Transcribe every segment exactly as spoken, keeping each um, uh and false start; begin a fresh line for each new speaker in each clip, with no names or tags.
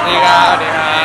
ดีครับสวัสดีครับ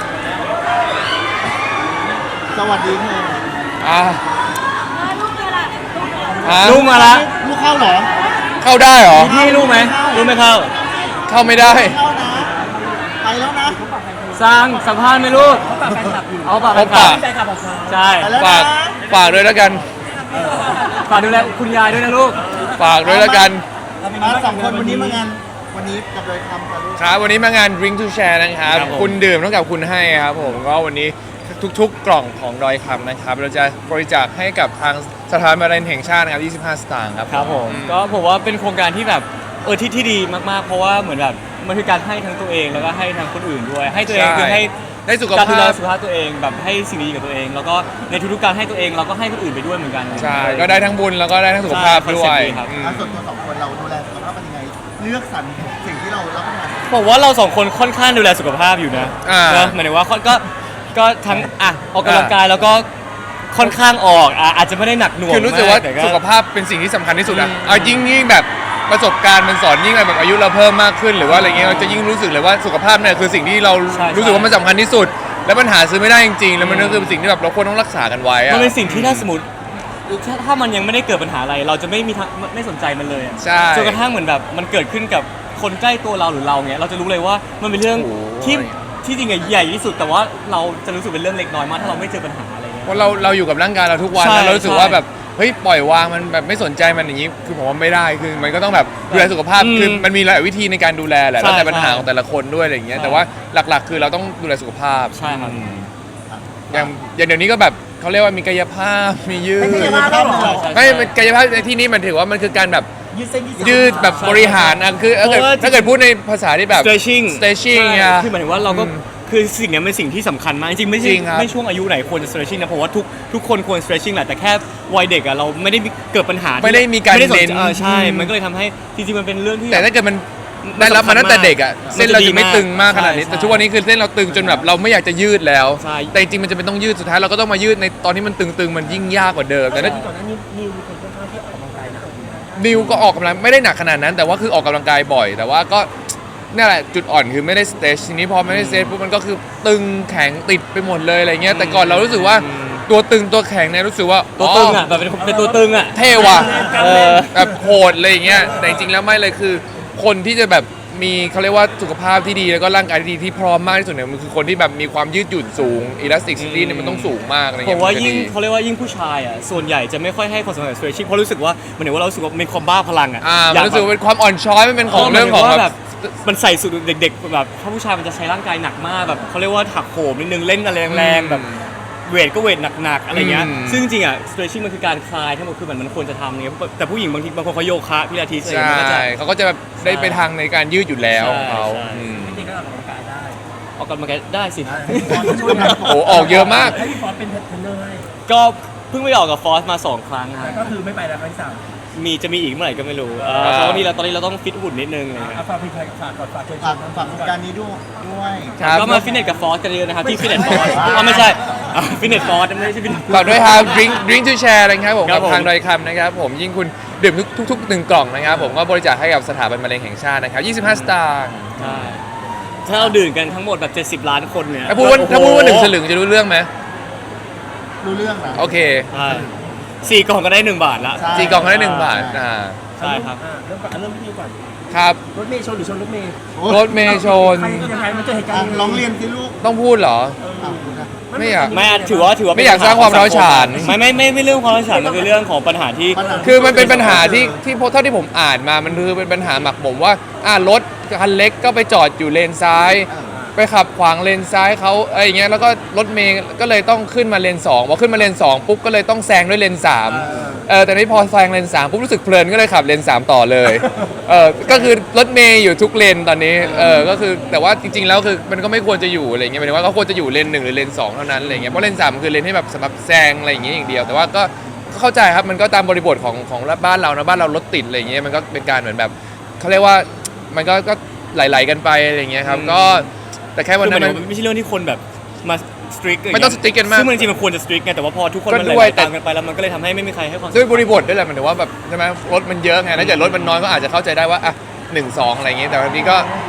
สวัสดีค่ะ
อ่ะ
ลูกเรือล่ะ
ฮะ
ลูกมาละ
ลูกเข้าเหรอ
เข้าได้เหรอ
มีที่ลูกไหมลูกไม่เข้า
เข้าไม่ได้
เข้านะไปแล้วนะ
สร้างสัมภาษณ์ไหมลูกเอาปาก
เอา
แฟ
ปาก
นคลับใช่
ไปแล้ว
ฝา
นะ
กฝากด้วยแล้วกัน
ฝากดูแลคุณยายด้วยนะลูก
ฝากด้วยแล้วกัน
มาสองคนวันนี้มางานวันนี้กับโดยคำกับลูก
ครับวันนี้มางาน Drink to Share นะครับ
ครับผม
คุณดื่มเท่ากับคุณให้ครับผมก็วันนี้ทุกๆ กล่องของดอยคำนะครับ เราจะบริจาคให้กับทางสถานมะเร็งแห่งชาตินะครับยี่สิบห้า สตางค์ครับ
ครับผมก็ผมว่าเป็นโครงการที่แบบเออที่ที่ดีมากๆ เพราะว่าเหมือนแบบมันคือการให้ทั้งตัวเองแล้วก็ให้ทั้งคนอื่นด้วย ให้ตัวเองคือให้
ได้สุข
การดู
ภา
แล
พ
สุขภาพตัวเองแบบให้สิ่งดีกับตัวเอง แล้วก็ในทุกๆการให้ตัวเองเราก็ให้คนอื่นไปด้วยเหมือนกัน
ใช่ ก็ได้ทั้งบุญแล้วก็ได้ทั้งสุขภาพ
ใช่
ด้วย
คอนเซ็ปต์ดีครับ
อืม
อ่ะส่วนตัวสองคนเราดูแลสุขภาพเป็นยังไงเลือกสรรสิ่งที่เรารับประทาน
ผมว่าเราสองคนค่อนข้างดูแลสุขภาพอยู่นะ
อ่า
เนอะหมายถึงว่าก็ก็ทั้งอ่ะออกกำลังกายแล้วก็ค่อนข้างออกอ่ะอาจจะไม่ได้หนักหน่วง
คือรู้สึกว่า
แต่
สุขภาพเป็นสิ่งที่สำคัญที่สุดอะเอายิ่งยิ่งแบบประสบการณ์มันสอนยิ่งแบบอายุเราเพิ่มมากขึ้นหรือว่าอะไรเงี้ยเราจะยิ่งรู้สึกเลยว่าสุขภาพเนี่ยคือสิ่งที่เรารู้สึกว่ามันสำคัญที่สุด แล้วมันหาซื้อไม่ได้จริงๆแล้วมันก็คือสิ่งที่แบบเราควรต้องรักษากันไว้อะ
มันเป็นสิ่งที่ถ้าสมมติถ้าถ้ามันยังไม่ได้เกิดปัญหาอะไร เราจะไม่มีทางไม่สนใจมันเลยอะ
ใช่
จนกระทั่งเหมือนแบบมันเกิดขึ้นกับคนใกล้ตัวเราหรือเราเงี้ยเราจะรู้เลยว่ามันเป็นเรื่อง
โอ้ย
ที่ที่จริงอะใหญ่ที่สุด แต่ว่าเราจะรู้สึกเป็นเรื่องเล็กน้อยมากถ้าเราไม่เจอปัญหาอะไรเงี้ย
เพราะเราเราอยู่กับร่างกายเราทุกวัน
ใช่
แล้วเรารู้สึกว่า
ใช่
แบบเฮ้ยปล่อยวางมันแบบไม่สนใจมันอย่างนี้คือผมว่าไม่ได้คือมันก็ต้องแบบดูแลสุขภาพ
อืม
คือมันมีหลายวิธีในการดูแลแหละ
ใช่
แล้วแต่ปัญหา
ใช่
ของแต่ละคนด้วยอะไรอย่างเงี้ย
ใช่
แต่ว่าหลักๆ คือเราต้องดูแลสุขภาพ
ใช่ครับ
อืมอย่างอย่างเดี๋ยวนี้ก็แบบเขาเรียกว่ามีกายภาพมียืด
ไม่ใช่ว่าต้องหรอ
ใช่
ไม่มันกายภาพในที่นี้มันถือว่ามันคือการแบบ
ยืดเส้นยืดสาย
ยืดแบบ
ใช่
บริหารอ่ะคือถ้าเกิด
เพราะว่า
ถ้าเกิดพูดในภาษาที่แบบ
stretching
stretching
ใช่
อ่ะ
คือหมายถึงว่าเราก็
อืม
คือสิ่งเนี้ยเป็นสิ่งที่สำคัญมากจริงๆไม่
จ
ใช่
ริงครับ
ไม่ช่วงอายุไหนควรจะ stretching นะเพราะว่าทุกทุกคนควร stretching แหละแต่แค่วัยเด็กอะเราไม่ได้มีเกิดปัญหาที่
ไม่ได้มีการ
ไม่ได้สน
เน้น
ใจเออใช่
อืม
มันก็เลยทำให้จริงๆมันเป็นเรื่องที่
แต่ถ้าเกิดมัน
มัน
ได้รับมาตั้งแต่เด็กอ่ะ
มันจะ
เส้นเราจะไม่
ดีมาก
ตึงมากขนาดนี้
ใช่
แต่ทุกวันนี้คือเส้นเราตึงจนแบบเราไม่อยากจะยืดแล้ว
ใช่
แต่จริงๆมันจะเป็นต้องยืดสุดท้ายเราก็ต้องมายืดในตอนที่มันตึงๆมันยิ่งยากกว่าเดิมแต่ถ้า
ก่อนหน้านี้นิวมีคนค่อนข้างที่ออกกำลังกายหนักอยู่นะ
นิวก็ออกกำลังไม่ได้หนักขนาดนั้น แต่ว่าคือออกกำลังกายบ่อย แต่ว่าก็นี่นแหละจุดอ่อนคือไม่ได้สเตชทีนี้พอไม่ได้สเตชปุ๊บมันก็คือตึงแข็งติดไปหมดเลยอะไรเงี้ยแต่ก่อนเรารู้สึกว่าตัวตึงตัวแข็งเนี่ยรู้สึกว่า
ตัวตึงอ่ะแบบเป็นเป็นตัวตึงอ่ะ
เท่ว่ะ
เออ
แบบโหดอะไรอย่างเงี้ยแต่จริงๆแล้วไม่เลยคือคนที่จะแบบมีเขาเรียกว่าสุขภาพที่ดีแล้วก็ร่างกายที่ดีที่พร้อมมากที่สุดเนี่ยมันคือคนที่แบบมีความยืดหยุ่นสูงอิลาสติกซิตี้เนี่ยมันต้องสูงมากอะไร
ผ
เงี้
ม
ย
ว่า
มันจะ
ยิ่ง
ดี
เขาเรียกว่ายิ่งผู้ชายอ่ะส่วนใหญ่จะไม่ค่อยให้ความสำคัญกับ stretching เพราะรู้สึกว่าเหมือนว่าเรารู้สึกว่ามีความบ้าพลังอ่ะ
อ่า
อ
มัน
ยาก
รู้สึก
แบบ
ว่าเป็นความอ่อนช้อยมันเป็นของ
เออ
เรื่องของ
หมายถึงว่า
แบ
แบบ บ มันใส่สุดเด็กๆแบบถ้าผู้ชายมันจะใช้ร่างกายหนักมากแบบเขาเรียกว่าถักโหมนิดนึงเล่นอะไรแรงๆแบบเวทก็เวทหนักๆอะไรเงี้ย
อืม
ซึ่งจริงๆอ่ะ stretching มันคือการคลายทั้งหมดคือมันมันควรจะทำเนี่ยแต่ผู้หญิงบางทีบางคนเขาโยคะพิลาทิสอะไร
ใช่
เงี้ยมันก็จะ
เขาก็จะแบบได้ไปทางในการยืดอยู่แล้วของเขา
ใช่
อืม
จริงๆก็ออกกำลังกายได้
ออกกำลังกายได้สิ
ช่วยนะ
โอ้โหออกเยอะมาก
ให้พี่ฟอสเป็นเทรนเนอร์ให้
ก็เพิ่งไปออกกับฟอสมาสองครั้งครับ
ก็คือไม่ไปแล้วครั้งที่สาม
มีจะมีอีกเมื่อไหร่ก็ไม่รู้เออ
อ่า
เพราะว่านี่เราตอนนี้เราต้องฟิตหุ่นนิดนึงอะไรเลย
ฝากพี่ฝากก่อนฝากเชิญฝากฝากโครงการนี้ด้วยด้วย
ครับ
ก็มาฟิตเนสกับฟอสกันเยอะนะครับที่ฟิตเนสฟอสอ๋อไม่ใช่ฟิตเนสฟอสไม่ใช่ฟิตเนส
ฝากด้วยครับ drink drink to share นะครับผม
ครั
กั
บบ ผม
ทางดอยคำนะครับผมยิ่งคุณดื่มทุกทุกๆหนึ่งกล่องนะครับผมก็บริจาคให้กับสถาบันมะเร็งแห่งชาตินะครับยี่สิบห้า สตางค์
ใช่ถ้าเราดื่มกันทั้งหมดแบบเจ็ดสิบล้านคนเนี่ย
ถ้าพูดว่า
โอ้โ
ถ้าพูดว่าหนึ่งสลึงจะรู้เรื่องไหม
รู้เรื่องนะ
โอเค
ใช่สี่กล่องก็ได้หนึ่งบาทละ
ใช่
สี่กล่องก็ได้หนึ่งบาทอ่า
ใช่ครับ
อ่าเริ่มก่อนเริ่มที่นี่ก่อน
ครับ
รถเมย์ชนหรือชนรถเมย์
รถเมย์ชน
ใครยังไงมันเจอเหตุการณ์ร้องเรียนสิลูก
ต้องพูดเหรอ ไม่อยาก
ไม่ถือว่าถือว่า
ไม่อยากสร้างความร้าวฉาน
ไม่ไม่ไม่ไม่เรื่องความร้าวฉานมันคือเรื่องของปัญหาที่
คือมันเป็นปัญหาที่ที่เท่าที่ผมอ่านมา มันคือเป็นปัญหาหมักหมมว่าอ่ารถคันเล็กก็ไปจอดอยู่เลนซ้าย ไปขับขวางเลนซ้ายเขาอะไรอย่างเงี้ยแล้วก็รถเมย์ก็เลยต้องขึ้นมาเลนสองพอขึ้นมาเลนสองปุ๊บก็เลยต้องแซงด้วยเลนสามเออแต่นี่พอแซงเลนสามปุ๊บรู้สึกเพลินก็เลยขับเลนสามต่อเลยเออก็คือรถเมย์อยู่ทุกเลนตอนนี้เออก็คือแต่ว่าจริงๆแล้วคือมันก็ไม่ควรจะอยู่อะไรเงี้ยหมายถึงว่าเขาควรจะอยู่เลนหนึ่งหรือเลนสองเท่านั้นอะไรเงี้ยเพราะเลนสามคือเลนให้แบบสำหรับแซงอะไรอย่างเงี้ยอย่างเดียวแต่ว่าก็ก็เข้าใจครับมันก็ตามบริบทของของบ้านเรานะบ้านเรารถติดอะไรเงี้ยมันก็เป็นการเหมือนแบบเขาเรียกว่ามันก็ก็ไหลๆกันไปอะไรเงี้ยครับก็แต่แค่วัน
คือ
นั้
มัน
นมัน
ไม่ใช่เรื่องที่คนแบบมาสตริก
ไม่ต้อง strict กันมาก
ซึ่งมันจริงๆมันควรจะสตริกไงแต่ว่าพอทุกคน
ก็
มัน
ด้
ไห
ว
ล
ย
ๆ
แต่
ตามกันไปแล้วมันก็เลยทำให้ไม่มีใครให้ความสำคัญ
ด้วยบริบทด้วยแหละหมายถึงว่าแบบใช่ไหมรถมันเยอะไงถ้าเกิดรถมันน้อยก็อาจจะเข้าใจได้ว่าอ่ะหนึ่งสองอะไรอย่างเงี้ยแต่วันนี้ก็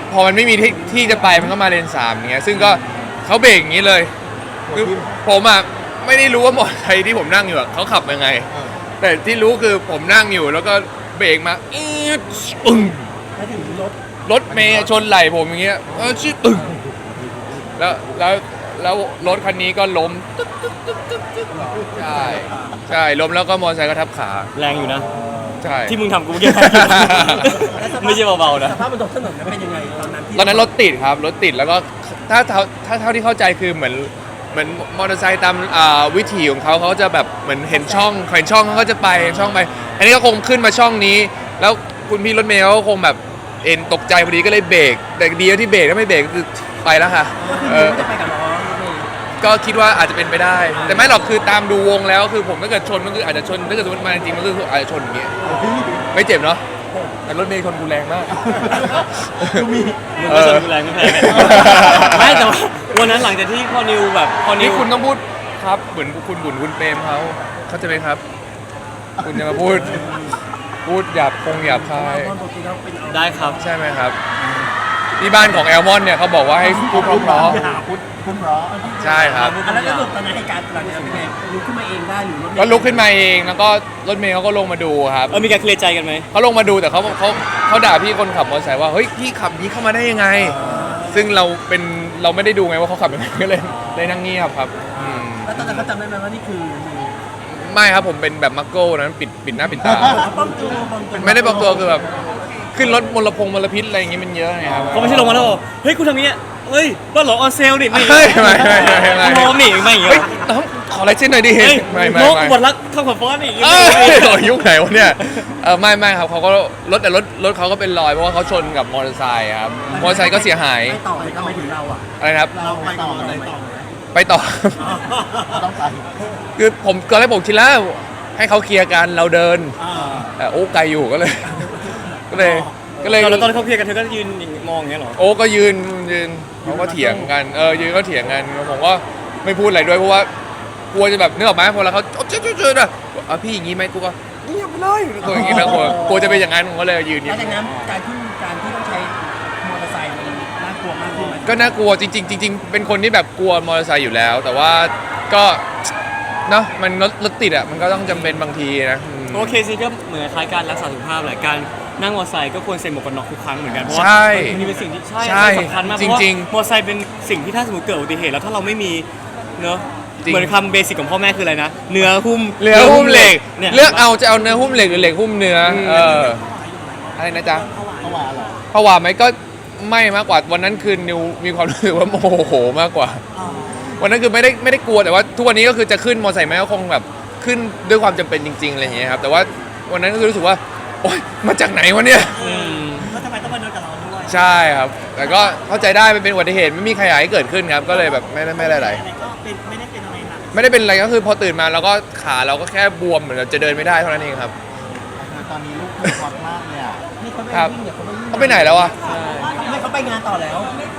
พอมันไม่มีที่ที่จะไปมันก็มาเลนสามอย่างเงี้ยซึ่งก็เขาเบรกอย่างนี้เลยคือผมอ่ะไม่ได้รู้ว่ามอเตอร์ไซค์ที่ผมนั่งอยู่อะเขาขับยังไง แต่ที่รู้คือผมนั่งอยู่แล้วก็เบรกมาอี๊ดปึ้ง
ไปถึงรถ
รถเมย์ชนไหล่ผมอย่างเงี้ยเออชิปึ้งแล้วแล้วแล้วรถคันนี้ก็ล้มตึ๊กตึ๊กตึ๊กตึ๊กตึ๊กใช่ใช่ล้มแล้วก็มอเตอร์ไซค์ก็ทับขา
แรงอยู่นะ
ใช่
ที่มึงทำกูเมื่อกี้ ไม่ใช่เบาๆนะ
สภาพบนท้องถนนนั้นเป็นยังไงตอนนั้นที่
ตอนนั้นรถติดครับรถติดแล้วก็ถ้าถ้าถ้าเท่าที่เข้าใจคือเหมือนเหมือนมอเตอร์ไซค์ตามอ่าวิถีของเขาเขาจะแบบเหมือนเห็นช่องเห็นช่องเขาก็จะไปเห็นช่องไป อันนี้ก็คงขึ้นมาช่องนี้ แล้วคุณพี่รถเมล์เขาก็คงแบบเอ็นตกใจพอดีก็เลยเบรกแต่ดีที่เบรกถ้าไม่เบรกก็คือไปแล้วค่ะ
ก็คือ
เอ
ยู
อ
ไม่ได้ไปกับน้องนี่
ก็คิดว่าอาจจะเป็นไปได้ แต่ไม่หรอกคือตามดูวงแล้วคือผมถ้าเกิดชนมันคืออาจจะชนถ้าเกิดสมมติมาจริงๆมันคืออาจจะชนอย่างเงี้ยไม่เจ็บเนาะแต่รถเมล์ชนกูแรงมาก
ดูมี
มึงก็ชนกูแรงไม่แพ้กันไม่แต่ว่าวันนั้นหลังจากที่พอนิวแบบพอนิ
นี่
ว
คุณต้องพูดครับเหมือนคุณบุญคุณเปรมเขาเข้าใจไหมครับ คุณจะมาพูดพูดหยาบคงหยาบคาย
ตอนปกติเราเป็นเอา
ได้ครับ
ใช่ไหมครับที่บ้านของแอลมอนเนี่ยเขาบอกว่าให้พูดเพราะ
พูดคุณร้อ
ๆใช่ครับ
อันนั้นก็ตอนนั้นเหตุการณ์หลังจากนั้นเป็นไงลุกขึ้นมาเองได้หรือรถเมล์
ก็ลุกขึ้นมาเองแล้วก็รถเมย์เขาก็ลงมาดูครับ
เออมีการเคลียร์ใจกันไหม
เขาลงมาดูแต่เขาเขาเขาด่าพี่คนขับมอเตอร์ไซค์ว่าเฮ้ยพี่ขับนี้เข้ามาได้ยังไง ซึ่งเราเป็นเราไม่ได้ดูไงว่าเขาขับยังไงก็เลยเลยนั่งเงียบครับอืม
แล้วตอนนั้นเขาจำได้ไหมว่านี่คือ
ไม่ครับผมเป็นแบบมักโก้นั้นปิดปิดหน้าปิดตา
ป้องตัวป้องตัว
ไม่ได้บอกตัวคือแบบขึ้นรถมลพงมลพิษอะไรอย่างงี้มันเยอะไงครับ
เขาไม่ใช่ลงมาแล้วบอกเฮ้ยกูทำอย่างเงี้ยเฮ้ยบ้านหลอออนเซลนี่ไม่
เฮ้ยไม่ไม่ไม่ไม่
พร้อมนี่ไม่อย่างเงี้
เฮ้ย
ย
น้องขอลายเส้นหน่อยดิ
เฮ้ย
ไม่ไม่
น้อง
ไม่
บทรักเข้ากับฟอนนี่
เอ้ยโอ้ยยุคไหนวะเนี่ยเออไม่ไม่ครับเขาก็รถแต่รถรถเขาก็เป็นรอยเพราะว่าเขาชนกับมอเตอร์ไซค์ครับมอเตอร์ไซค์ก็เสียหาย
ไม่ต่อเลยก็ไม่ถึงเราอ่ะ
อะไรนะครับ
เราไปต่อเลยต่อ
ไปต่อ
ต้องไป
คือผมตอนแรกผมคิดแล้วให้เขาเคลียร์กันเราเดิน
อ่า
แต่โอ้ไกลอยู่ก็เลย ก็เลยก็เลย
แล้วตอนเขาเคลียร์กันเธอก็ยืนมองอย่างเงี้ยเหรอ
โอ้ก็ยืนยืนเขาก็เถียงกันเออยืนก็เถียงกันผมก็ไม่พูดอะไรด้วยเพราะว่ากลัวจะแบบนึกออกไหมพอแล้วเขาเจ๊เจ๊เจ๊นะอ่ะพี่อย่างงี้ไหมกูก็เงียบไปเลยกลัวอย่างงี้แล้วกลัวกลัวจะเป็นอย่างนั้นผมก็เลยยืน
แล้วจากนั้นการที่การที่ต้องใช้มอเตอร์ไซค์มันน่ากลัวมากขึ้นไหม
ก็น่ากลัวจริงๆจริงๆเป็นคนที่แบบกลัวมอเตอร์ไซค์อยู่แล้ว แต่ว่าก็เนาะมันรถรถติดอ่ะมันก็ต้องจำเป็นบางทีนะอืม
โอเคสิก็เหมือนคล้ายการรักษาสุขภาพแหละการนั่งมอเตอร์ไซค์ก็ควรใส่หมวกกันน็อกทุกครั้งเหมือนกันเพราะว่า
ใช่
มันเป็นสิ่งที่ใช่
ใช่
มันสำคัญมากเพ
จ
ราะว่า
ริง
มอเตอร์ไซค์เป็นสิ่งที่ถ้าสมมติเกิดอุบัติเหตุแล้วถ้าเราไม่มีเนอะ
จริง
เหมือนคำเบสิกของพ่อแม่คืออะไรนะเนื้อหุ้ม
เรือหุ้มเหล็ก
เนี่ย
เลือกเอาจะเอาเนื้อหุ้มเหล็กหรือเหล็กหุ้มเนื้อ
อืม
เอออะไรนะจ๊ะ
เขาว่าเหรอ
ผวาไหมก็ไม่มากกว่าวันนั้นคือนิวมีความรู้สึกว่าโมโหมากกว่า วันนั้นคือไม่ได้ไม่ได้กลัวแต่ว่าทุกวันนี้ก็คือจะขึ้นมอเตอร์ไซค์ไหมก็คงแบบขึ้นด้วยความจำเป็นจริงๆอะไรอย่างเงี้ยครับแต่ว่าวันนั้นก็คือรู้สึกว่าโอ๊ยมาจากไหนวะเนี่ย
อืม
แล้วทำไมต้องมาเดินกับเราด้วย
ใช่ครับ แต่ก็เข้าใจได้มันเป็นอุบัติเหตุไม่มีใครอยากให้เกิดขึ้นครับก็เลยแบบไม่ได้ไม่ได้อะไร
ก็เป็นไม่ได้เป็นอะไรหนัก
ไม่ได้เป็นอะไรก็คือพอตื่นมาแล้วก็ขาเราก็แค่บวมเหมือนจะเดินไม่ได้เท่านั้นเองครับ
ตอนนี้ลูกคือฮอตมากเลยอ่ะ
นี่เขาไป
ครับ
วิ่งเดี๋ยวเขาไปวิ่ง
เขาไปไหนแล้วอะ
ไม่เขาไปงานต่อแล้ว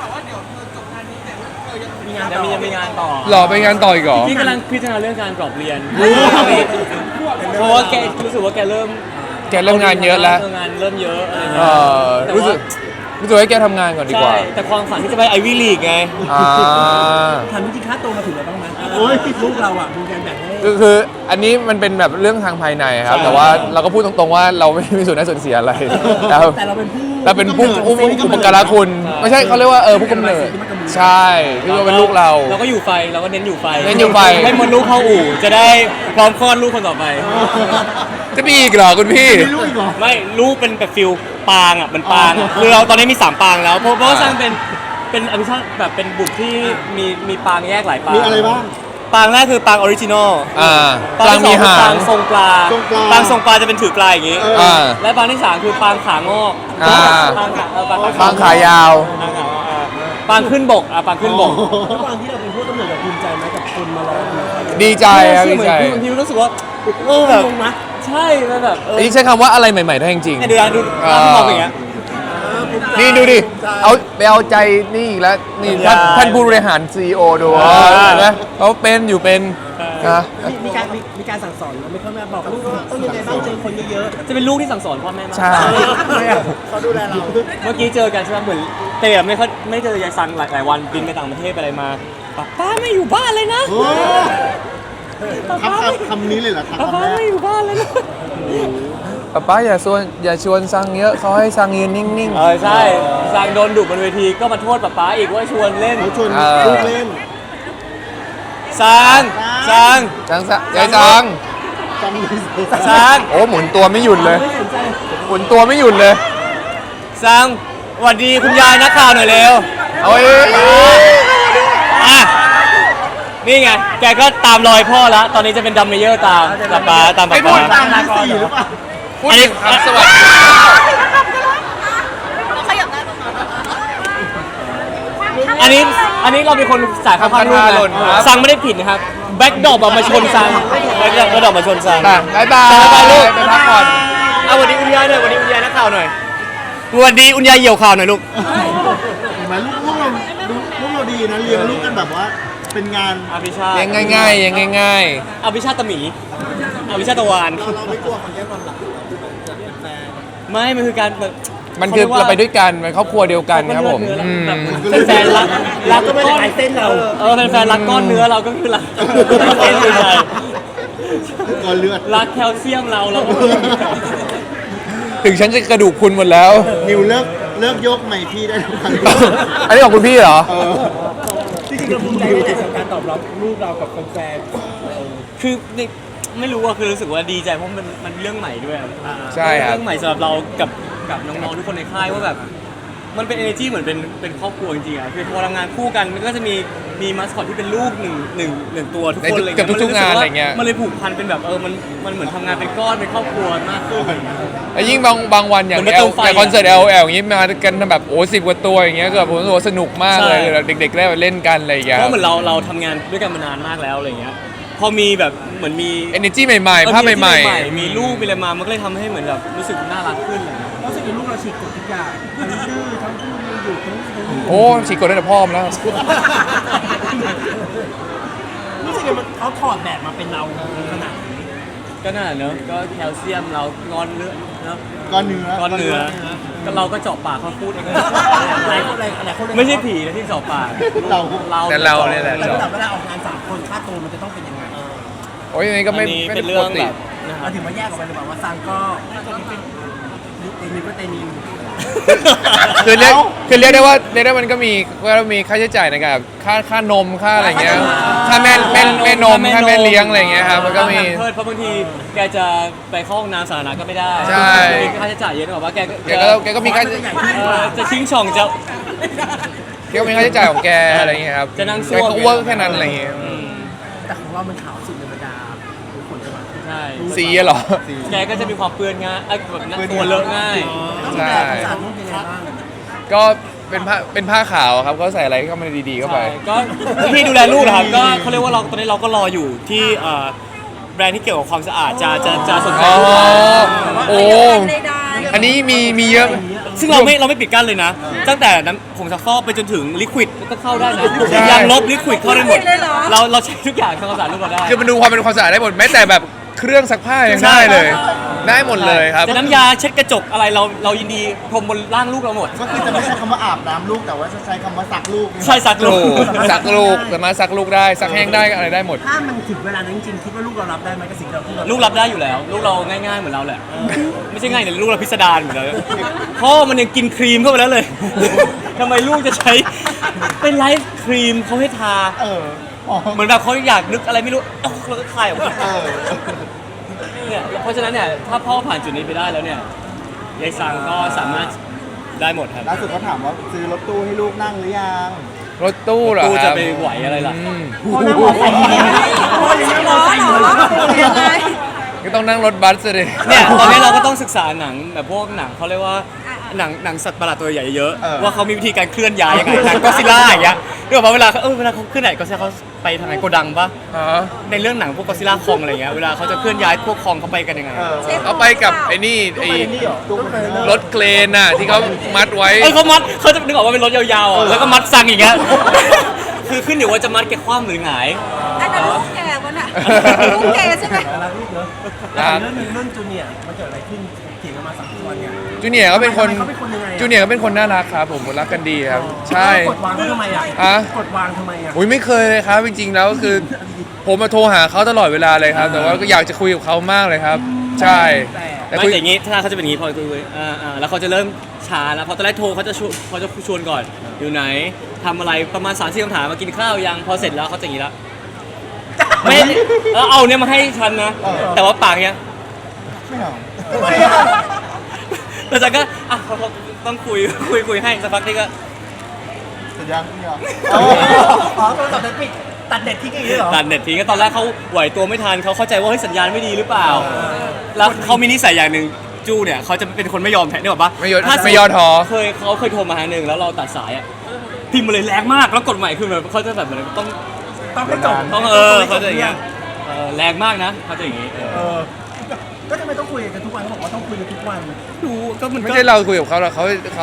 มีงาน
ยัง
ต่อ
มียังมีงานต่อ
หล่อไปงานต่ออีกเหรอ
พี่กำลังพิจารณาเรื่องการกรอบเรียนเพราะว่าแกรู้สึกว่าแกเริ่ม
แกเริ่มงานเยอะแล้ว
งานเริ่มเยอะอะไร
เอ
เงี้ย
อ
แต่
รู้สึก
ว่า
รู้สึกให้แกทำงานก่อนดีก
ใช่
ว่า
แต่ความฝันที่จะไปไอวี่ลีกไง
อ่า
ถามจริงๆค่าตัวมาถึงแล้วบ้างไหมโอ้ยลูกเราอ่ะมีการแบ่งให้
คือคืออันนี้มันเป็นแบบเรื่องทางภายในครับ
ใช่
แต่ว่าเราก็พูดตรงๆว่าเราไม่มีส่วนได้ส่วนเสียอะไรแล้ว
แต่เราเป็นผู้
เราเป็นผู้อุปอุปการะคุณ ไม่ใช่เขาเรียกว่าเออผู้กำเนิด ใช่คือว่าเป็นลูกเรา
เราก็อยู่ไฟเราก็เน้นอยู่ไฟ
เน้นอยู่ไฟ
ให้มดลูกเข้าอู่จะได้พร้อมคลอดลูกคนต่อไป
จะมีอีกเหรอคุณพี่
มีลูกอีกเหรอ
ไม่ลูกเป็นแบบฟิลปางอ่ะเป็นปางคือเราตอนนี้มีสามปางแล้วเพราะเพราะว่าสร้างเป็นเป็นอภิชาติแบบเป็นบุตรที่มีมีปางแยกหลายปาง
มีอะไรบ้าง
ปางแรกคือปางออริจินอล
อ่า
ปาง
กลาง
ที่ส
มี
องคือ
หา
ปาง งทรงปลา
ทรงปลา
ปางทรงปลาจะเป็นถือปลาอย่างงี้
อ่า
และปางที่สามคือปางขางอก
อ่า
ปางขาเออปาง
บางขายาว
ปางขางอกอ่าปางขึ้นบกอ่ะปางขึ้นบก
แล้วตอนที่เราเป็นผู้กำเนิดเราภูมิใจไหมกับคนมารอดูเรา
ดีใจครับดี
เหมือ
ใจ
นพี่รู้สึกว่าเออแบบ
งงนะ
ใช่มันแบบเออ
อันนี้ใช้คำว่าอะไรใหม่ๆได้จริง
เนี่ยดูนะดู
อ่า
ร้านที่มองอย่างเงี้ย
ๆนี่ดูดิ เอาไปเอาใจนี่อีกแล้ว นี่ท่าน
ใช่
ท่านผู้บริหาร ซี อี โอ ดู
อ่า
เห็นไหมเขาเป็นอยู่เป็นนะ
มีมีการมีมีการสั่งสอนเราไม่ค่อยแม่บอกลูกว่าต้องยังไงบ้างเจอคนเยอะ
จะเป็นลูกที่สั่งสอนพ่อแม่มาก
ใช่
ๆเขาดูแลเรา
เมื่อกี้เจอกันใช่ไหมเหมือนเตะไม่ค่อยไม่เจอยายซังหลายหลายวันบินไปต่างประเทศไปอะไรมาป้าป้าไม่อยู่บ้านเลยนะ
โอ้คำคำคำนี้เลยเหรอครับ
ป้า
คำ
ป้า
แรก
ไม่อยู่บ้านเลยนะ
ป๊าป๊าอย่าชวนอย่าชวนซังเยอะเขาให้ซังยืนนิ่ง
เออใช่ซังโดนดุบนเวทีก็มาโทษป้าป้าอีกว่าชวนเล่น
เขาชวน
เออ
ลูกเล่น
ซังซัง
ๆซังซังยายซัง
จำเลย
ซัง
โอ้หมุนตัวไม่หยุดเลย หมุนตัวไม่หยุดเลย
ซังสวัสดีคุณยายนักข่าวหน่อยเร็ว
เอาเอ้ย
อ่ะนี่ไงแกก็ตามรอยพ่อแล้วตอนนี้จะเป็นดัมเมเยอร์ตามป้าป้าตามป้า
ไอ้พู
ป้า
ดตามที่สี่หรือเปล่า
พูดถึงคำสวัสดี
ขยับได้ประมาณ
อันนี้อันนี้เราเป็นคนสายข้างๆลูกนะซังไม่ได้ผิดนะครับแบ็คดรอปมาชนซังแบ็คดรอปมาชนซัง
ค่ะบ๊ายบาย
บ๊ายบายลูก
ไปพักผ่อน
เอาวันนี้คุณยายหน่อยวันนี้คุณยายนักข่าวหน่อยวันนี้คุณยายเหี่ยวข่าวหน่อยลูก
เห็นไหมลูกลูกเราลูกลูกเราดีนะเลี้ยงลูกกันแบบว่าเป็นงาน
อภิชาติ
ยังง่ายๆยังง่าย
อภิชาติตะหมีอภิชาติตะวาน
เราไม่กลัวคนแย่งความรักจะเป็นแฟน
ไม่มันคือการแบบ
ๆ มันคือเราไปด้วยกันมันครอบครัวเดียวกันครับผมอืม
เป็นแฟนรักรักก้อนเส้นเราเออเป็นแฟนรักก้อนเนื้อเราก็คือรักเส้นอยู่ใจ
ก่อนเลือด
รักแคลเซียมเราเราก็
ถึงฉันจะกระดูกคุณหมดแล้ว
นิวเลิกเลิกยกใหม่พี่ได้ทุกครั้ง
อันนี้ของคุณพี่เหรอ
เออ
จริงๆเราภูมิใจในการตอบรับลูกเรากับแฟน
คือนี่ไม่รู้อะคือรู้สึกว่าดีใจเพราะมันมันเรื่องใหม่ด้วยอะ
ใช่ครับ
เรื่องใหม่สำหรับเรากับกับน้องๆทุกคนในค่ายว่าแบบมันเป็น energy เหมือนเป็นเป็นครอบครัวจริงๆอะคือพอทำงานคู่กันมันก็จะมีมีมาสคอตที่เป็นลูกหนึ่งหนึ่งหนึ่งตัวทุกคน
ในทุก
อะไร
กับทุกๆงานอะไรเงี้ย
มันเลยผูกพันเป็นแบบเออมันมันเหมือนทำงานเป็นก้อนเป็นครอบครัวมากขึ้นอะไรเงี้ย
แล้วยิ่งบางบางวันอย่าง
เหมือน
แอ
มาเติ
ล
มไฟ
อย่างคอนเสิร์ต L L อย่างงี้มากันแบบโอ้สิบกว่าตัวอย่างเงี้ยก็แบบผมรู้สึกว่าสนุกมากเลย
ใช่
เด็กๆได้มาเล่นกันอะไรอย่างเงี้ย
เพราะเหมือนเราเราทำงานด้วยกันมานานมากแล้วอะไรเงี้ยพอมีแบบเหมือนมี
เอเนจีใหม่ๆภาพใหม่
ๆมีลูกมีอะไรมามันก็เลยทำให้เหมือนแบบรู้สึกน่ารักขึ้นอะไรเงี้ย
ๆรู้สึกว่าลูกเราฉีกกฎทุกอย่างทั้งดื้อทั้งพูดไม่หยุดทั้งทั้ง
ๆ โอ้ฉีกกดได้แต่พ่อมแล้ว
รู้สึกว่ามันเขาถอดแบบมาเป็นเราขนาดนี้
ก็น่าเนอะก็แคลเซียมเรางอนเนื้อเนอะ
ก้อนเนื้อ
ก้อนเนื้อก็เราก็เจาะปากเขาพูดเอง
หลายคนหลายหลายคนเลย
ไม่ใช่ผีนะที่เจาะปาก
เรา
เรา
แต่เราเนี่ยแหละ
แล้วเวลาออกงานสามคนค่าตัวมันจะต้องเป็นยังไง
โอ้ยอันนี้ก็ไม่
อันนี้
ไม่
เป็
ได้
น
ป
เรื่อก ง
ติ
แบบนะครั
เรา
บ
ถึงมาแยกออกไปเลยแบบว่าซังก็เตนิวก็เตนิว
คือเรียกคือเรียกได้ว่าเรียกได้ว่ามันก็มีว่ามีค่าใช้จ่ายในการแบบค่าค่านมค่าอะไรเงี้ยค่าแม่แม่แม่นมค่าแม่เลี้ยงอะไรเงี้ยครับมันก็มี
เพเพราะบางทีแกจะไปเข้าห้องน้ำสาธารณะก็ไม่ได้
ใช่
มีค่าใช้จ่ายเยอะกว่าว่าแก
แกก็แกก็มีค่า
เออจะชิงช่องจะ
แกก็มีค่าใช้จ่ายของแกอะไรเงี้ยครับ
จะนั่งซ่
แก
วม
ก็เวิร์กแค่นั้นอะไรเงี้ย
อืม
แต่ของเรามันขาวสุดในบรรดาทุกคนจะแบบ
ใช่
ซีอะเหรอ
แกก็จะมีความเปื้อนง่ายเอ้ยแบบนั้นตัวเลอะง่าย
ต้อง
ใช่
ดูแลความสะอาดลูกยังไงบ้าง
ก็เป็นผ้าเป็นผ้าขาวครับก็ใส่อะไรเข้ามาดีๆเข้าไป
ใช่ก็วิธีดูแลลูกนะครับก็เขาเรียกว่าเราตอนนี้เราก็รออยู่ที่เอ่อแบรนด์ที่เกี่ยวกับความสะอาดจะจะจะสนใจ
อ๋อ
ลูกเรา
โอ้ อันนี้มีมีเยอะ
ซึ่งเราไม่เราไม่ปิดกั้นเลยนะ ตั้งแต่น้ำผงซักฟอกไปจนถึงลิควิดก็เข้าได้นะ
ใช่
ยางลบลิควิดเข้าได้หมดเราเราใช้ทุกอย่างทำความสะอาดลูกเราได้
คือมันดูความเป็นความสะอาดได้หมดแม้แต่แบบเครื่องซักผ้ายัง
ใช่
ได้เลย ได้หมดเลยครับ
จะน้ำยาเช็ดกระจกอะไรเราเรายินดีพรมบนร่างลูกเราหมด
ก็คือจะไม่ใช้คำว่าอาบน้ำลูกแต่ว่าจะใช้คำว่าสักลูก
ใช่ซักลู
ถู
ก
กซักลูกสามารถซักลูกได้ซักแห้งได้อะไรได้หมด
ถ้ามันถึงเวลานั้นจริงๆคิดว่าลูกเรารับได้ไหมกับสิ่งที่เราพูด
ลูกรับได้อยู่แล้ว ลูกเราง่ายๆเหมือนเราแหละ ไม่ใช่ง่ายแต่ลูกเราพิสดารเหมือนเราพ่อมันยังกินครีมเข้าไปแล้วเลย ทำไมลูกจะใช้เป็นไลฟ์ครีมเขาให้ทา
เอออ๋อ
เหมือนแบบเขาอยากนึกอะไรไม่รู้เอ้าเราก็คลายออกมา
เออ
เนี่ยเพราะฉะนั้นเนี่ยถ้าพ่อผ่านจุดนี้ไปได้แล้วเนี่ยยายซังก็สามารถได้หมดครับ
ล่าสุดเขาถามว่าซื้อรถตู้ให้ลูกนั่งหรือยัง
รถตู้เหรอ
ตู้
ค
จะ
รับ
ไปไหวอะไรล่ะ
อืม
พ่อนั่งมอไซค์อยู่เนี่ยพ่อยังนั่งมอไซค์อยู่เลย
ยังไง
ก็ต้องนั่งรถบัสเลย
เนี่ยตอนนี้เราก็ต้องศึกษาหนังแบบพวกหนังเขาเรียกว่าหนังหนังสัตว์ประหลาดตัวใหญ่เยอะว่าเขามีวิธีการเคลื่อนย้ายยังไงหนังก็ซิล่าอย่างเงี้ยเรื่องว่าเวลาเขาเออเวลาเขาขึ้นไหนก็ซิล่าเขาไปทางไหนโกดังปะ
อ๋อ
ในเรื่องหนังพวกก็ซิล่าคองอะไรเงี้ยเวลาเขาจะเคลื่อนย้ายพวกคองเขาไปกันยังไง
เออ
เอาไปกับไอ้นี่ไอ้
นี่เหรอตู้คอนเทนเนอร์
รถเครนน่ะที่เขามัดไว้
เออเขามัดเขาจะนึกออกว่าเป็นรถยาวๆอ่ะแล้วก็มัดซังอย่างเงี้ยคือขึ้นอยู่ว่าจะมัดแกคว่ำหรือหงาย
อันนั้นลูกแกวะน่ะลูกแกใช่ไหม
รักลูกเนอะ
รัก
เรื่องหนึงเรื่องจูเนียร์มันเกิดอะไรขึ้นเถียงกันมาสามวันเนี่ย
จูเนียร์ก็เป็นคน
เขาเป็นคนยังไงอะ
จูเนียร์ก็เป็นคนน่ารักครับผมรักกันดีครับ ใช่
กดวางเขาทำไมอ่ะ
อะ
กดวางทำไมอ่ะ
อุ้ยไม่เคยเลยครับ จริงๆแล้วคือ ผมมาโทรหาเขาตลอดเวลาเลยครับ แต่ว่าก็อยากจะคุยกับเขามากเลยครับ ใช่ แต่
ไม่
คุย
แต่อย่างงี้ถ้าเขาจะเป็นอย่างงี้พอคุยๆอ่าอ่าแล้วเขาจะเริ่มช้าแล้วพอตอนแรกโทรเขาจะชวนเขาจะชวนก่อนอยู่ไหนทำอะไรประมาณสามสี่คำถามมากินข้าวยังพอเสร็จแล้วเขาจะอย่างงี้แล้วไม่เออเอาเนี่ยมาให้ฉันนะ แต่ว่าปากเนี้ย
ไม่เอา
แล้วฉันก็อ่ะเขาเขาต้องคุยคุยคุยให้สักพักนี่ก็
สัญญาณไม่เอา
อ๋อโทรศัพท์เด็ดปิดตัดเด็ดทิ้งอย่างนี้เหรอ
ตัดเน็ตทิ้งก็ตอนแรกเขาไหวตัวไม่ทันเขาเข้าใจว่าเฮ้ยสัญญาณไม่ดีหรือเปล่า แล้วเขามีนิสัยอย่างหนึ่งจูเนี่ยเขาจะเป็นคนไม่ยอมแพ้เนี่ยบอกปะ
ไม่ยอม
ถ้า
ไม่ย่อท้อ
เคยเขาเคยโทรมาหาหนึ่งแล้วเราตัดสายอ่ะพิมพ์มาเลยแรงมากแล้วกดใหม่คือแบบเขาจะแบบเหมือนต้อง
ต้องให้จบ
ต้องเออเขาจะอย่างเงี้ยเออแรงมากนะเขาจะอย่างงี้เออ
เออก็ทำไมต้องคุยกันทุกวันเขาบอกว่าต้องคุยกันทุกวัน
ดูก็มัน
ไม่
ก็
ใช่เราคุยกับเขาหรอกเขาเขา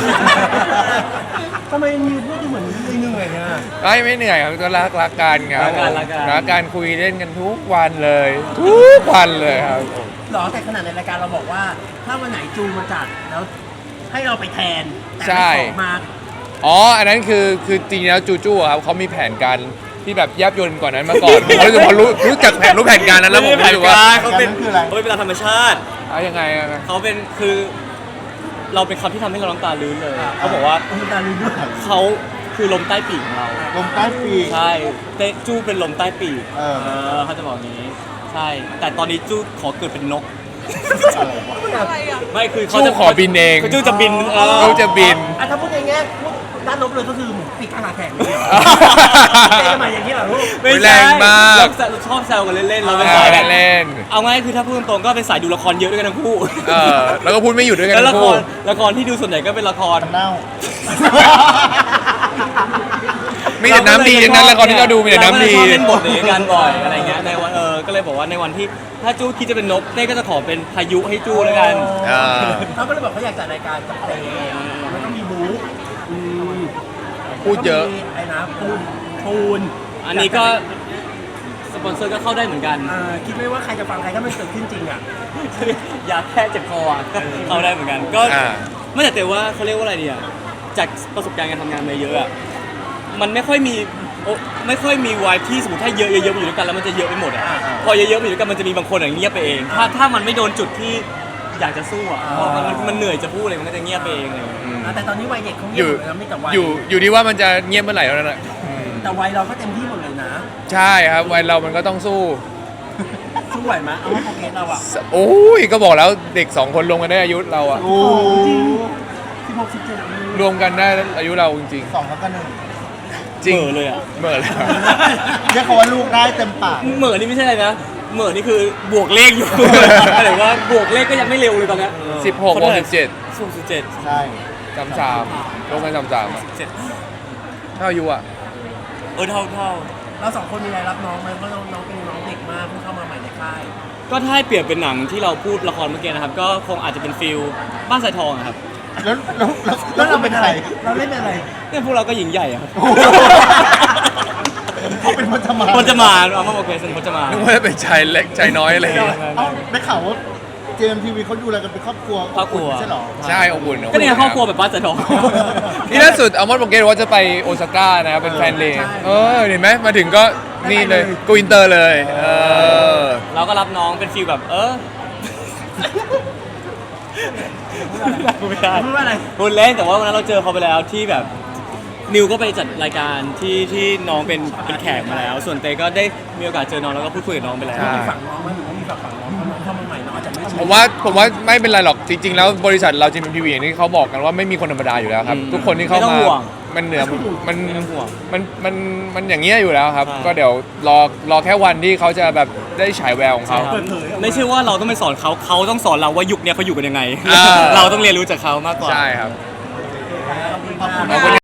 ทำไมมีพูดดูเหมือนเหนื่อยๆเนี่ย
ไม่ไม่เหนื่อยครับก็รักรักกันครับ
รักกันรักกัน
รักกันคุยเล่นกันทุกวันเลย ทุกวันเลยครับ
หรอแต่ขนาดในรายการเราบอกว่า ถ้าวันไหนจูมาจัดแล้วให้เราไปแทนแต่
ใช่
ไม่ขอมา
อ๋อ อันนั้นคือคือจริงๆแล้วจูจูอะครับเขามีแผนการที่แบบแยบยลกว่านั้นมาก่อน ผมรู้สึกพอรู้รู้จักแผนรู้แผนการนั้นแล้วผมรู้สึกว่า
เขาเป็นเขาเป็นเวลาธรรมชาติ
เอายังไงอะ
เขาเป็นคือเราเป็นคำที่ทำให้เราน้ำตาลื้นเลยเขาบอกว่า
คุณตาลืมด้วย
เขาคือลมใต้ปีกของเรา
ลมใต้ปีก
ใช่เตจูเป็นลมใต้ปีก
เออ
เออเขาจะบอกอย่างนี้ ใช่ แต่ตอนนี้จูขอเกิดเป็นนก
อะไรวะ
อะไรอ่ะ
ไม่คือเขา
จู
จะ
ขอบินเอง
คือจูจะบินเออ
จูจะบิน
อ่ะถ้าพูดในแง่พูดด้านลบเลยก็คือหมูปีกกลางแข่งเลยเจ๊มาอย่างนี้เหรอลูก
ไม่
แร
ใช่
งมาก
เราชอบแซวกันเล่นๆเราเป็น
เอ
สาย
อ
แบบ
เล่น
เอาง่ายคือถ้าพูดตรงๆก็เป็นสายดูละครเยอะด้วยกันทั้งคู่
เออแล้วก็พูดไม่หยุดด้วยกัน
แล้ว
ทั้
ละ
ง
ค
คู่
รละครที่ดูส่วนใหญ่ก็เป็นละคร
เน่า
มีแต่น้ำดีทั้งนั้นละครที่เราดูมีแต่น้ำดี
เราก็เลยชอบเล่นบทนี้กันบ่อยอะไรเงี้ยในวันเออก็เลยบอกว่าในวันที่ถ้าจู้คิดจะเป็นนกเต้ก็จะขอเป็นพายุให้จู้แล้วกัน
อ่า
เขาก็เลยบอกเขาอยากจัดรายการกับเต้มันก็มีบู๊อืม
พูดเยอะ
แล้วก็มีไอ้นะปูนปูน
อันนี้ก็สปอนเซอร์ก็เข้าได้เหมือนกัน
อ่าคิดไม่ว่าใครจะฟังใครถ้ามันเกิดขึ้นจริงอ่ะ
ยาแค่เจ็บคออ่ะก็เข้าได้เหมือนกัน ก็
อ่า
ไม่แต่แต่ว่าเขาเรียกว่าอะไรเนี่ยจากประสบการณ์การทำงานมาเยอะอ่ะมันไม่ค่อยมีโอ้ไม่ค่อยมีวายที่สมมติถ้าเยอะเยอะๆมาอยู่ด้วยกันแล้วมันจะเยอะไปหมดอ่ะพอเยอะๆมาอยู่ด้วยกันมันจะมีบางคนอย่างเงียบไปเอง ถ้าถ้ามันไม่โดนจุดที่อยากจะสู้อ่ะพอมันมันมันเหนื่อยจะพูดอะไรมันก็จะเงียบไปเองเลย
อืม
อ่าแต่ตอนนี้วัยเด็กเขา
อ
เงียบ
ยู่
หมดเลยนะไม่แต่วัย
อยู่อยู่ที่ว่ามันจะเงียบเมื่อไหร่เท่านั้นแหละอืม
แต่วัยเราก็เต็มที่หมดเลยนะ
ใช่ครับวัยเรามันก็ต้องสู้
สู้ไหวไหมเอาว่าโปรเกรสเราอ่ะ
โอ้ยก็บอกแล้วเด็กสองคนรวมกันได้อายุเราอะ
โอ้
สิบหกสิบเจ็ด
รวมกันได้อายุเราจริง
สองทับกันหนึ่ง
ๆจริง
เหม่อเลยอะ
เหม่อเลย
เรียกเขาว่าลูกได้เต็มปาก
เหม่อนี่ไม่ใช่อะไรนะเหม่อนี่คือบวกเลขอยู่ หมายถึงว่าบวกเลขก็ยังไม่เร็วเลยตอนเนี้ย
สิบหกบวกสิบเจ็ด
สิบสิบเจ็ด
ใช่
สามสามรวมกันสามสามอะ
เจ็ด
เท่าอายุอะ
เออเท่าเท่า
เราสองคนมีอะไรรับน้องไหมเพราะน้องน้องเป็นน้องเด็กมากเพิ่งเข้ามาใหม่ในค่าย
ก็ถ้าให้เปรียบเป็นหนังที่เราพูดละครเมื่อกี้นะครับ ก็คงอาจจะเป็นฟิลบ้านสายทองอะครับ
แล้วแล้วแล้วแล้วเราเป็นใคร
เราเล่นเป็นอะไร
เนี่ยพวกเราก็หญิงใหญ่อะครับ
เขาเป็นพจมาน
พจมานเอามาโอเคสนพจมาน
นึกว่าจะเป็นชายเล็กชายน้อยอะไรอย่างเงี้ย
เอ้าได้ข่าวว่าเจมทีวีเขาดูอะไรกันเป็นครอบครัว
ครอบครัว
ไม่ใช่หรอ
ใช่อบอุ่น
ก็เนี่ยครอบครัวแบบบ้านสายทอง
นี่ล่าสุดอัลมอนด์บอกเกตว่าจะไปโอซาก้านะครับเป็นแฟนเลย์เออเห็นไหมมาถึงก็นี่เลยกูอินเตอร์เลยเออ
เราก็รับน้องเป็นฟิลแบบเออพูดไม่ได้
พูดว่าอะไร
พูดเล่นแต่ว่าวันนั้นเราเจอเขาไปแล้วที่แบบนิวก็ไปจัดรายการที่ที่น้องเป็นเป็นแขกมาแล้ว ส่วนเตก็ได้มีโอกาสเจอน้องแล้วก็พูดคุยกับน้องไปแล้ว
มีฝั่งน้องไหมหรือว่ามีฝั่งฝั่งน้องเพราะน้องเข้ามาใหม่น้องอาจจะไม่ชิน
ผมว่าผมว่าไม่เป็นไรหรอกจริง ๆ แล้วบริษัทเราจีมทีวีอย่างที่เขาบอกกันว่าไม่มีคนธรรมดาอยู่แล้วครับ
อืม
ทุกคนที่เข้า
ไม่ต้อ
มาง
ห่วง
มันเหนือมัน
ไม่ต้องห่วง
มันมันมันอย่างเงี้ยอยู่แล้วครับ
ใช่
ก็เดี๋ยวรอรอแค่วันที่เขาจะแบบได้ฉายแววของเขา
เปิดเผยออกมา
ไม่ใช่ว่าเราต้องไปสอนเขาเขาต้องสอนเราว่ายุคเนี้ยเขาอยู่กันยังไง
อ่า
เราต้องเรียนรู้จากเขามากกว่า
ใช่ครับ
ขอบคุณ
ขอบคุณ
มาก
ขอบคุณ